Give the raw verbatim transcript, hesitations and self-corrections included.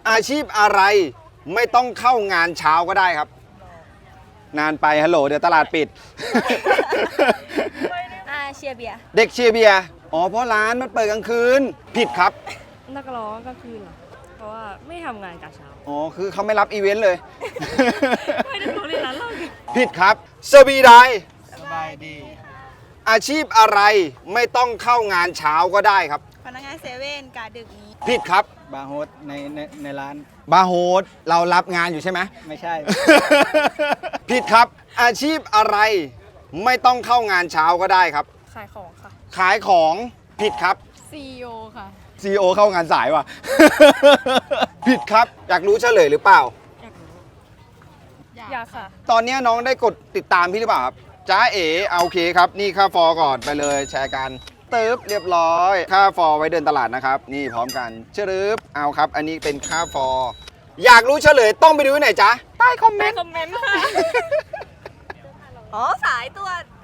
อาชีพอะไรไม่ต้องเข้างานเช้าก็ได้ครับ นานไปฮัลโหลเดี๋ยวตลาดปิดอาเชียร์เบียร์เด็กเชียร์เบียร์อ๋อเพราะร้านมันเปิดกลางคืนผิดครับนักร้องกลางคืนเหรอ เพราะว่าไม่ทำงานกะเช้าอ๋อคือเขาไม่รับอีเวนต์เลยไม่ได้รู้เลยร้านเราผิดครับสบีไดสบายดีอาชีพอะไรไม่ต้องเข้างานเช้าก็ได้ครับพนักงานเซเว่นกาดึกนี้ผิดครับบาร์โฮสในในในร้านบาร์โฮสเรารับงานอยู่ใช่ไหมไม่ใช่ผิดครับ อาชีพอะไรไม่ต้องเข้างานเช้าก็ได้ครับขายของค่ะขายของผิดครับซี อี โอ ค่ะซี อี โอ เข้างานสายว่ะ ผิดครับ อยากรู้เฉลยหรือเปล่าอยากรู้ อยากค่ะตอนนี้น้องได้กดติดตามพี่หรือเปล่าครับจ้าเอ๋เอาโอเคครับ นี่ค่าฟอร์ก่อนไปเลยแชร์กันเติบเรียบร้อย ค่าฟอร์ไว้เดินตลาดนะครับ นี่พร้อมกันเชิบเอาครับ อันนี้เป็นค่าฟอร์อยากรู้เฉลยต้องไปดูที่ไหนจ๊ะใต้คอมเมในนต์คอมเมนต์ค่ะอ๋อ สายตรวจ